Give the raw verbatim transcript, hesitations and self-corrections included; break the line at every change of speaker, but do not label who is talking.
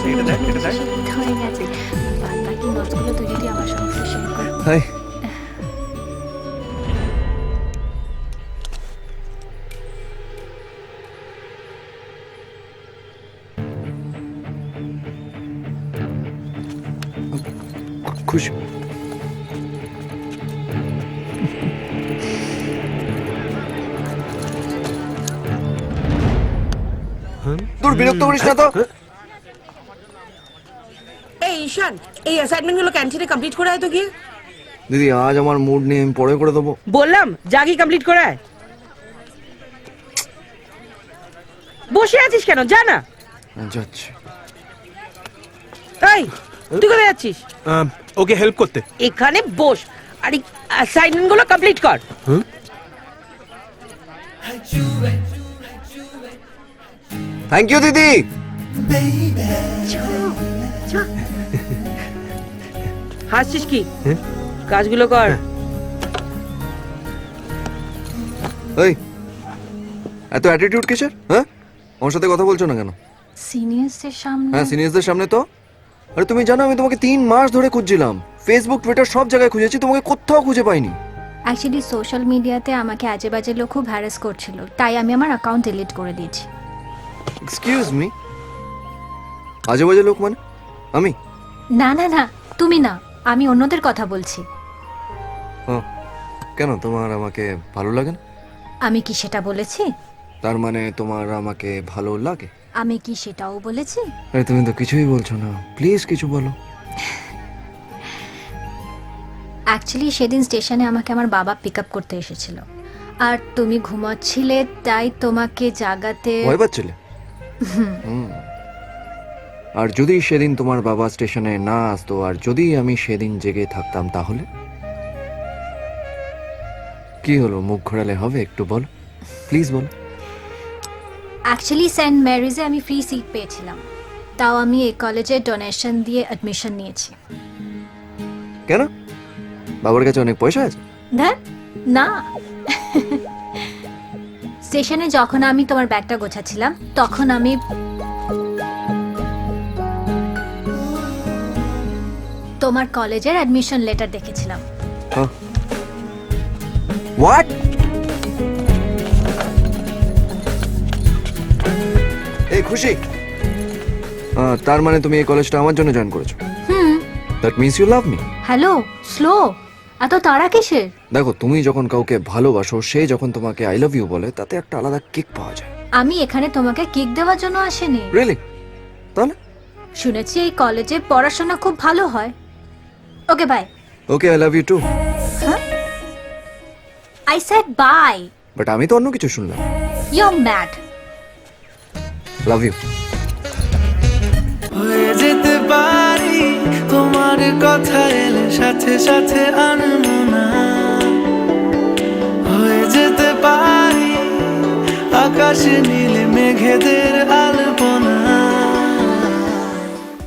এটা দেখ এটা দেখ
হয়ে গেছে। বাদ বাকি নোটসগুলো তুই যদি আমার সঙ্গে শেয়ার কর।
হাই খুশি দূর বিরক্ত করিস না তো।
এই ঈশান, এই অ্যাসাইনমেন্টগুলো ক্যান্টিনে কমপ্লিট করে আয় তো গিয়ে।
দিদি আজ আমার মুড নেই, আমি পরে করে দেবো।
বললাম জাগি কমপ্লিট করে আয়। বসে আছিস কেন, যা না।
যাচ্ছি।
এই তুই কোথায় যাচ্ছিস?
ওকে হেল্প করতে।
এখানে বস আর অ্যাসাইনমেন্টগুলো কমপ্লিট কর।
থ্যাংক ইউ দিদি।
হাসছিস কি? কাজগুলো কর।
এই এত অ্যাটিটিউড কিসের? হ্যাঁ আমার সাথে কথা বলছো না কেন?
সিনিয়রসদের সামনে?
হ্যাঁ সিনিয়রদের সামনে তো। আরে তুমি জানো আমি তোমাকে তিন মাস ধরে খুঁজছিলাম, ফেসবুক টুইটার সব জায়গায় খুঁজেছি, তোমাকে কোথাও খুঁজে পাইনি।
অ্যাকচুয়ালি সোশ্যাল মিডিয়াতে আমাকে আজে বাজে লোক খুব হ্যারাস করছিল, তাই আমি আমার অ্যাকাউন্ট ডিলিট করে দিয়েছি।
এক্সকিউজ মি, আজে বাজে লোক মানে আমি?
না না না, তুমি না, আমি অন্যদের কথা বলছি।
হ্যাঁ কেন, তোমার আমাকে ভালো লাগে না?
আমি কি সেটা বলেছি?
তার মানে তোমার আমাকে ভালো লাগে?
আমি কি সেটাও বলেছি?
আরে তুমি তো কিছুই বলছো না, প্লিজ কিছু বলো।
অ্যাকচুয়ালি সেদিন স্টেশনে আমাকে আমার বাবা পিক আপ করতে এসেছিল, আর তুমি ঘুমাচ্ছিলে তাই তোমাকে জাগাতে।
ভয় পাচ্ছিলে? হুম। আর যদি সেদিন তোমার বাবা স্টেশনে না আসতো, আর যদি আমি সেদিন জেগে থাকতাম, তাহলে কি হলো? মুখ ঘোরালে হবে? একটু বলো প্লিজ বলো।
অ্যাকচুয়ালি সেন্ট ম্যারিজে আমি ফ্রি সিট পেয়েছিলাম, তাও আমি এই কলেজে ডোনেশন দিয়ে অ্যাডমিশন নিয়েছি।
কেন, বাবার কাছে অনেক পয়সা আছে?
না না, স্টেশনে যখন আমি তোমার ব্যাগটা গোছাচ্ছিলাম তখন আমি তোমার কলেজের অ্যাডমিশন লেটার দেখেছিলাম।
হোয়াট? এই খুশি, আহ, তার মানে তুমি এই কলেজটা আমার জন্য জয়েন করেছো?
Hmm.
That means you love me.
Hello, slow, এত তাড়া কিসের?
দেখো, তুমি যখন কাউকে ভালোবাসো, সে যখন তোমাকে আই লাভ ইউ বলে, তাতে একটা আলাদা কিক পাওয়া যায়।
আমি এখানে তোমাকে কিক দেওয়ার জন্য আসিনি।
রিয়েলি? তাহলে?
শুনেছি এই কলেজে পড়াশোনা খুব ভালো হয়। Okay bye.
Okay, I love you too.
I said bye.
But আমি তো অন্য কিছু শুনলাম।
You are mad.
Love you.
হয়ে যেতে পারি তোমার কথা এলে সাথে সাথে আনমনা, হয়ে যেতে পারি আকাশে নীলে মেঘেদের